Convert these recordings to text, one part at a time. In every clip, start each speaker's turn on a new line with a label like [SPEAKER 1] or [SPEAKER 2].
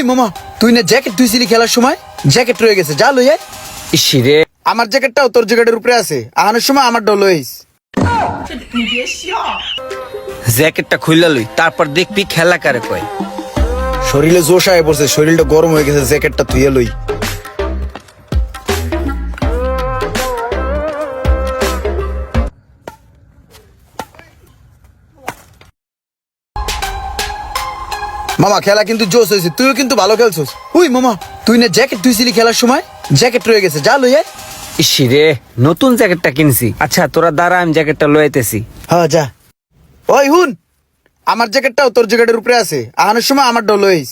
[SPEAKER 1] We মামা, তুই না জ্যাকেট ধুইছিলি খেলার সময়, জ্যাকেট রয়ে গেছে, যা লই আয়।
[SPEAKER 2] ইসিরে
[SPEAKER 1] আমার জ্যাকেটটাও তোর জ্যাকেটের উপরে আছে, আহানোর সময় আমার ডল লইস।
[SPEAKER 2] জ্যাকেটটা খুইলা লই, তারপর দেখবি খেলা কারে কয়।
[SPEAKER 1] শরীরে জোশ আয় পড়ছে, শরীরটা গরম হয়ে গেছে, জ্যাকেটটা ধুইয়া লই। মামা খেলা কিন্তু জোশ হয়েছে, তুইও কিন্তু ভালো খেলছিস। উই মামা, তুই না জ্যাকেট ধুইছিলি খেলার সময়, জ্যাকেট রয়ে গেছে, যা লই আয়।
[SPEAKER 2] ইসিরে নতুন জ্যাকেটটা কিনছি। আচ্ছা তোরা দাঁড়া, আমি জ্যাকেটটা লইতেছি।
[SPEAKER 1] হ্যাঁ যা। ওই হুন, আমার জ্যাকেটটাও তোর জ্যাকেটের উপরে আছে, আহানোর সময় আমার ডল লইস।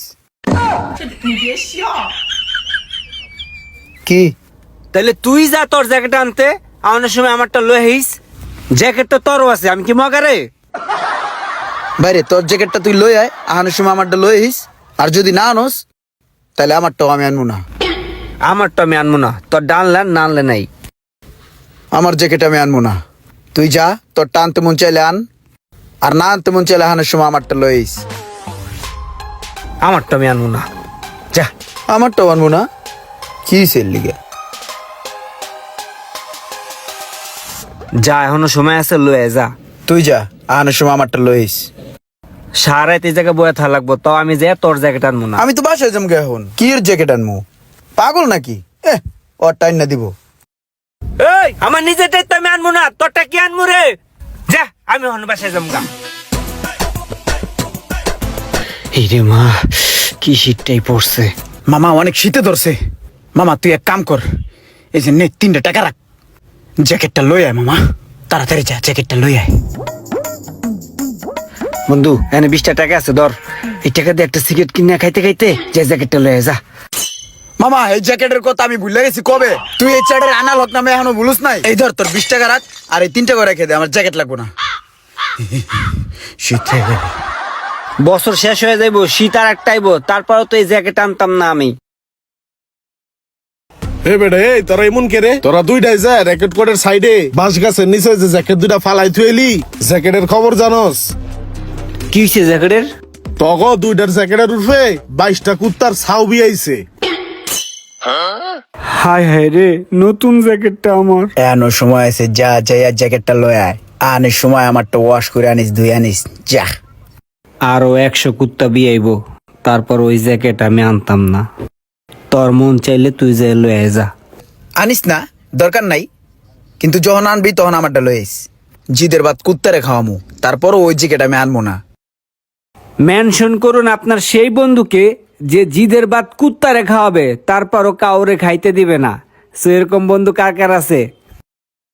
[SPEAKER 1] কি?
[SPEAKER 2] তাহলে তুই যা তোর জ্যাকেট আনতে, আনার সময় আমারটা লই আইস। জ্যাকেট তো তোরও আছে, আমি কি মগারে?
[SPEAKER 1] বাইরে তোর জ্যাকেটটা তুই লই আয়, আহানোর সময় আমারটা লইস। আর যদি না আনোস তাহলে আমারটাও আমি আনবো না।
[SPEAKER 2] আমারটা আমি আনবো না, তোর ডানলে না আনলে নাই।
[SPEAKER 1] আমার জ্যাকেট আমি আনবো না। তুই যা, তোর টানতে মন চাইলে আন, আর না আনতে মন চাইলে আহানোর সময় আমারটা লইস।
[SPEAKER 2] আমারটা আমি আনবো না, যা।
[SPEAKER 1] আমারটাও আনবো না? কি সেল লিগে?
[SPEAKER 2] যা, এখনো সময় আছে, লয়ে যা।
[SPEAKER 1] তুই যা, আহানোর সময় আমারটা লইস।
[SPEAKER 2] সারাইতে জায়গায় বয়ে থাকা লাগবো, তাও আমি যে তোর জ্যাকেট আনবো না।
[SPEAKER 1] আমি তো বাসায় যাম গে এখন, কি এর জ্যাকেট আনবো? পাগল নাকি? ওর টাইম না দিব।
[SPEAKER 2] এই আমার নিজেরটাই তো আমি আনবো না, তোরটা কি আনবো রে? যা, আমি এখন বাসায় যাবো গা। এই রে মা, কি শীতটাই পড়ছে।
[SPEAKER 1] মামা অনেক শীতে ধরছে। মামা তুই এক কাম কর, এই যে নে 3টা টাকা রাখ, জ্যাকেটটা লই আয় মামা, তাড়াতাড়ি যা, জ্যাকেটটা লই আয়।
[SPEAKER 2] বন্ধু এখানে 20টা টাকা আছে, ধর। এই টাকা দিয়ে একটা সিগারেট কিনে খাইতে খাইতে যে জ্যাকেটটা লয়ে যা।
[SPEAKER 1] মামা এই জ্যাকেটের কথা আমি ভুলে গেছি কবে। তুই এই চ্যাটের আনাল হক নামে এখনো ভুলুস নাই। এই ধর তোর 20 টাকা রাখ, আর এই 3টা করে রেখে দে, আমার জ্যাকেট লাগবো না। শীতে
[SPEAKER 2] বছর শেষ হয়ে যাইবো, শীত আর একটা আইবো, তারপরও তো এই জ্যাকেট আনতাম না আমি।
[SPEAKER 3] এ বেটা, এই তোরা এমন কে রে? তোরা দুইটাই যা র্যাকেট কোডের সাইডে বাঁশ গাছের নিচে যে জ্যাকেট দুইটা ফালাই থুয়েলি, জ্যাকেটের খবর জানোস?
[SPEAKER 2] কি হয়েছে জ্যাকেটের?
[SPEAKER 3] তগো দুইটার জ্যাকেটের উঠবে 22টা কুত্তার ছাউ বিয়াইছে।
[SPEAKER 2] হায় হায় রে, নতুন জ্যাকেটটা আমার।
[SPEAKER 1] এনো সময় আছে, যা যাই আর জ্যাকেটটা লই আয়। আনিস সময় আমারটা ওয়াশ করে আনিস, ধুই আনিস, যা।
[SPEAKER 2] আরো 100 কুত্তা বিয়াইবো, তারপর ওই জ্যাকেট আমি আনতাম না। তোর মন চাইলে তুই যে লয়ে যা।
[SPEAKER 1] আনিস না, দরকার নাই, কিন্তু যখন আনবি তখন আমারটা লই আইস। জিদের বাদ কুত্তারে খাওয়ামু, তারপরও ওই জ্যাকেট আমি আনবো না।
[SPEAKER 2] মেনশন করুন আপনার সেই বন্ধুকে যে জিদের বাদ কুত্তারে খাওয়াবে, তারপরও কাউরে খাইতে দিবে না। সো এরকম বন্ধু কার কার আছে?